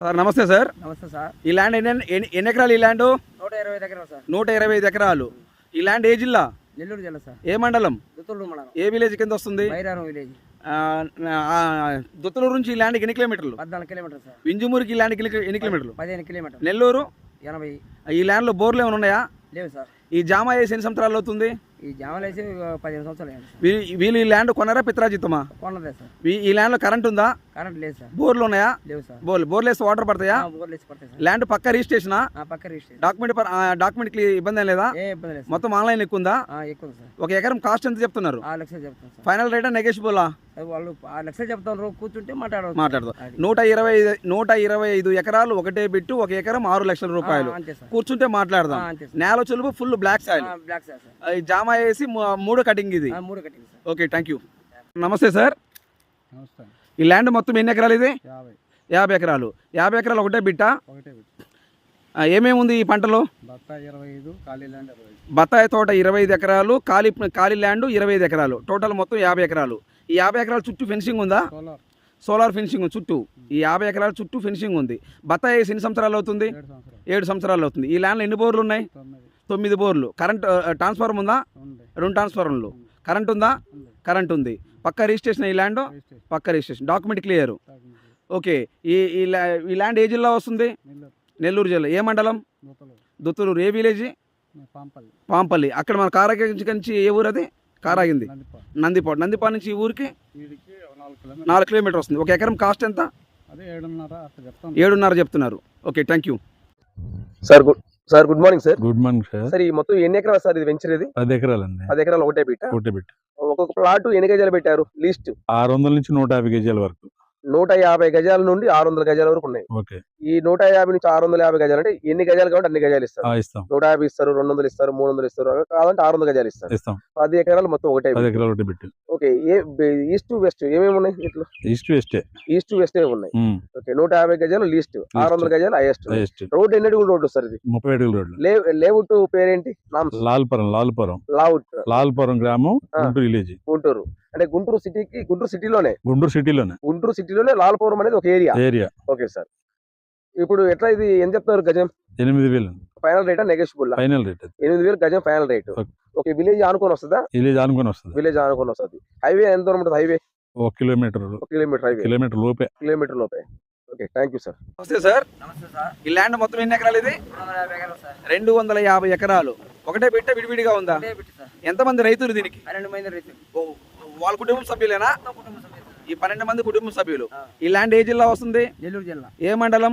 Sir నమస్తే sir. నమస్తే sir. ఈ ల్యాండ్ ఎన్ని ఎకరాలు? ఈ ల్యాండ్ 125 ఎకరాలు సార్. 125 ఎకరాలు. ఈ ల్యాండ్ ఏ జిల్లా? నెల్లూరు జిల్లా సార్. ఏ మండలం? దుత్తూరు మండలం. ఏ విలేజ్ కింద వస్తుంది? బైరారం విలేజ్. దుత్తలూరు నుంచి ఈ ల్యాండ్కి ఎన్ని కిలోమీటర్లు? 14 కిలోమీటర్లు సార్. వింజమూరుకి ఈ ల్యాండ్కి ఎన్ని కిలోమీటర్లు? 15 కిలోమీటర్లు. నెల్లూరు 80. ఈ ల్యాండ్లో బోర్లు ఏమైనా ఉన్నాయా? లేవు సార్. ఈ జామా వేసి ఎన్ని సంవత్సరాలు అవుతుంది? ఈ జామలు వేసి 15 సంవత్సరాలు అయింది సార్. వీళ్ళు ఈ ల్యాండ్ కొన్నారా పిత్రాజిత్తమా? కొన్నదే సార్. ఈ ల్యాండ్లో కరెంట్ ఉందా? కరెంట్ లేదు సార్. బోర్లు ఉన్నాయా? లేవు సార్. బోర్లు వేస్తే వాటర్ పడతాయా? బోర్లు వేసి పడతాయి సార్. ల్యాండ్ పక్క రిజిస్ట్రేషనా? పక్క రిజిస్ట్రేషన్. డాక్యుమెంట్ ఇబ్బంది ఏం లేదా? ఏ ఇబ్బంది లేదు. మొత్తం ఆన్లైన్ ఎక్కువ ఉందా? ఎక్కువ సార్. ఒక ఎకరం కాస్ట్ ఎంత చెప్తున్నారు? 6 లక్షలు చెప్తాను సార్. ఫైనల్ రేటా నెగోషియబులా? వాళ్ళు 6 లక్షలు చెప్తాను. కూర్చుంటే మాట్లాడదు. 125 ఎకరాలు ఒకటే బిట్టు. ఒక ఎకరం 6 లక్షల రూపాయలు. కూర్చుంటే మాట్లాడదాం. నేల చెలుపు full black soil. Black sir. జామా వేసి 3 కటింగ్ ఇది. 3 cutting sir. Okay, thank you. నమస్తే సార్. నమస్తే. ఈ ల్యాండ్ మొత్తం ఎన్ని ఎకరాలు? ఇది 50 ఎకరాలు. 50 ఎకరాలు ఒకటే బిట్టా? ఒకటే బిట్. ఏమేమి ఉంది ఈ పంటలో? బత్తాయి 25, ఖాళీ ల్యాండ్ 25. బత్తాయి తోట 25 ఎకరాలు, ఖాళీ ల్యాండ్ 25 ఎకరాలు, టోటల్ మొత్తం 50 ఎకరాలు. ఈ 50 ఎకరాల చుట్టూ ఫెన్సింగ్ ఉందా? సోలార్ ఫెన్సింగ్ చుట్టూ. ఈ 50 ఎకరాల చుట్టూ ఫెన్సింగ్ ఉంది. బత్తాయి వేసి ఎన్ని సంవత్సరాలు అవుతుంది? 7 సంవత్సరాలు అవుతుంది. ఈ ల్యాండ్లో ఎన్ని బోర్లు ఉన్నాయి? 9 బోర్లు. కరెంట్ ట్రాన్స్ఫార్మర్ ఉందా? 2 ట్రాన్స్ఫార్మర్లు. కరెంట్ ఉందా? కరెంట్ ఉంది. పక్క రిజిస్ట్రేషన్. ఈ ల్యాండ్ పక్క రిజిస్ట్రేషన్. Document clear. ఓకే. ఈ ల్యాండ్ ఏ జిల్లా వస్తుంది? నెల్లూరు జిల్లా. ఏ మండలం? దుత్తలూరు. ఏ విలేజ్? పాంపల్లి. అక్కడ మన కారాగించి నుంచి ఏ ఊరు అది? కారాగింది. నందిపాడు. నందిపాడు నుంచి ఈ ఊరికి 4 కిలోమీటర్ వస్తుంది. ఒక ఎకరం కాస్ట్ ఎంత? 7.5 చెప్తున్నారు. Okay, thank you sir. Good morning sir. Good morning sir. Sir, ఈ మొత్తం ఎన్ని ఎకరాలు సార్ ఇది వెంచర్? ఇది 10 ఎకరాలండి. 10 ఎకరాలు ఒకటే బిట్. ఒక్కొక్క ప్లాట్ ఎన్ని గజాలు పెట్టారు? లీస్ట్ 600 నుంచి 150 గజాల వరకు. 150 గజాల నుండి 600 గజాల వరకు ఉన్నాయి. ఓకే. ఈ 150 నుంచి 650 గజాలు అంటే ఎన్ని గజాలు కాబట్టి అన్ని గజాలు ఇస్తారు. ఇస్తాం. 150 ఇస్తారు, 200 ఇస్తారు, 300 ఇస్తారు. కావాలంటే 600 గజాలు ఇస్తారు. 10 ఎకరాలు మొత్తం ఒకటే. 10 ఎకరాలు ఒకటే బిట్. ఓకే. ఈస్ట్ వెస్ట్ ఏమేమి ఉన్నాయి ఇట్లా? ఈస్ట్ వెస్ట్ ఉన్నాయి. ఓకే. 150 గజాలు లీస్ట్, 600 గజాలు హైయెస్ట్. రోడ్ ఎన్ని అడుగులు రోడ్డు సార్? ఇది 30 అడుగుల రోడ్డు. లేఅవుట్ పేరేంటి? లాల్పురం గ్రామం, గుంటూరు విలేజ్. గుంటూరు అంటే గుంటూరు సిటీలోనే గుంటూరు సిటీలోనే లాల్పురం అనేది ఒక ఏరియా. Okay sir. ఇప్పుడు ఎట్లా ఇది ఎంత చెప్తున్నారు గజం? 8,000. ఫైనల్ రేటా నెగోషియబుల్? ఫైనల్ రేట్ 8,000 గజం ఫైనల్ రేట్. ఓకే. విలేజ్ ఆనుకొని వస్తుందా? విలేజ్ ఆనుకొని వస్తుంది. హైవే ఎంత దూరం ఉంటుంది? Highway 1 kilometre. హైవే కిలోమీటర్ లోపే. Okay, thank you sir. నమస్తే సార్. నమస్తే సార్. ఈ ల్యాండ్ మొత్తం ఎన్ని ఎకరాలు? ఇది 250 ఎకరాలు సార్. 250 ఎకరాలు. ఒకటే బిట్ట విడివిడిగా ఉందా? ఎంతమంది రైతులు దీనికి? 12 మంది రైతులు. వాళ్ళ కుటుంబం సభ్యులేనా? కుటుంబ సభ్యులు. ఈ 12 మంది కుటుంబ సభ్యులు. ఈ ల్యాండ్ ఏ జిల్లా వస్తుంది? నెల్లూరు జిల్లా. ఏ మండలం?